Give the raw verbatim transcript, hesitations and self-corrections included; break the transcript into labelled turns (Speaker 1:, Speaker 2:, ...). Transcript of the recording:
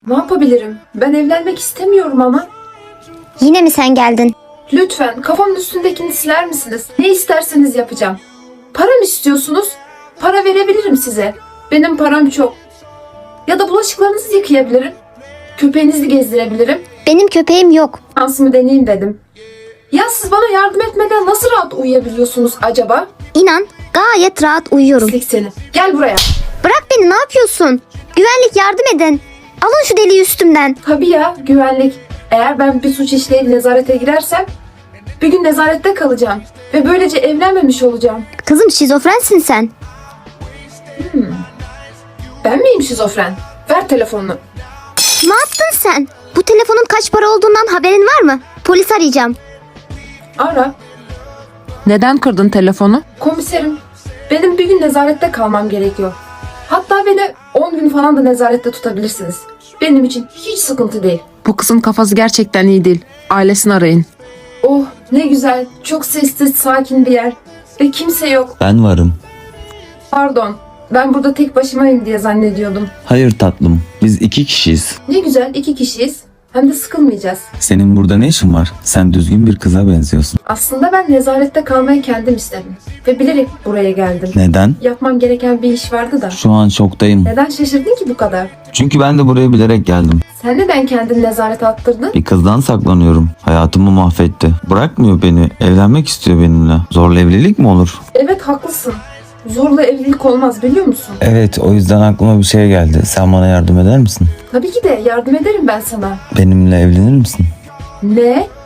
Speaker 1: Ne yapabilirim? Ben evlenmek istemiyorum ama.
Speaker 2: Yine mi sen geldin?
Speaker 1: Lütfen kafamın üstündekini siler misiniz? Ne isterseniz yapacağım. Para mı istiyorsunuz? Para verebilirim size. Benim param çok. Ya da bulaşıklarınızı yıkayabilirim. Köpeğinizi gezdirebilirim.
Speaker 2: Benim köpeğim yok.
Speaker 1: Şansımı deneyeyim dedim. Ya siz bana yardım etmeden nasıl rahat uyuyabiliyorsunuz acaba?
Speaker 2: İnan gayet rahat uyuyorum.
Speaker 1: Pislik seni. Gel buraya.
Speaker 2: Bırak beni, ne yapıyorsun? Güvenlik, yardım edin. Alın şu deliği üstümden.
Speaker 1: Tabii ya, güvenlik. Eğer ben bir suç işleyip nezarete girersem bir gün nezarette kalacağım. Ve böylece evlenmemiş olacağım.
Speaker 2: Kızım, şizofrensin sen.
Speaker 1: Ben miyim şizofren? Ver telefonunu.
Speaker 2: Ne yaptın sen? Bu telefonun kaç para olduğundan haberin var mı? Polis arayacağım.
Speaker 1: Ara.
Speaker 3: Neden kırdın telefonu?
Speaker 1: Komiserim, benim bir gün nezarette kalmam gerekiyor. Hatta beni on gün falan da nezarette tutabilirsiniz. Benim için hiç sıkıntı değil.
Speaker 3: Bu kızın kafası gerçekten iyi değil. Ailesini arayın.
Speaker 1: Oh ne güzel, çok sessiz, sakin bir yer. Ve kimse yok.
Speaker 4: Ben varım.
Speaker 1: Pardon, ben burada tek başımayım diye zannediyordum.
Speaker 4: Hayır tatlım, biz iki kişiyiz.
Speaker 1: Ne güzel, iki kişiyiz. Hem de sıkılmayacağız.
Speaker 4: Senin burada ne işin var? Sen düzgün bir kıza benziyorsun.
Speaker 1: Aslında ben nezarette kalmayı kendim istedim. Ve bilerek buraya geldim.
Speaker 4: Neden?
Speaker 1: Yapmam gereken bir iş vardı da.
Speaker 4: Şu an şoktayım.
Speaker 1: Neden şaşırdın ki bu kadar?
Speaker 4: Çünkü ben de buraya bilerek geldim.
Speaker 1: Sen neden kendini nezarete attırdın?
Speaker 4: Bir kızdan saklanıyorum. Hayatımı mahvetti. Bırakmıyor beni. Evlenmek istiyor benimle. Zorla evlilik mi olur?
Speaker 1: Evet haklısın. Zorla evlilik olmaz biliyor musun?
Speaker 4: Evet, o yüzden aklıma bir şey geldi. Sen bana yardım eder misin?
Speaker 1: Tabii ki de yardım ederim ben sana.
Speaker 4: Benimle evlenir misin?
Speaker 1: Ne?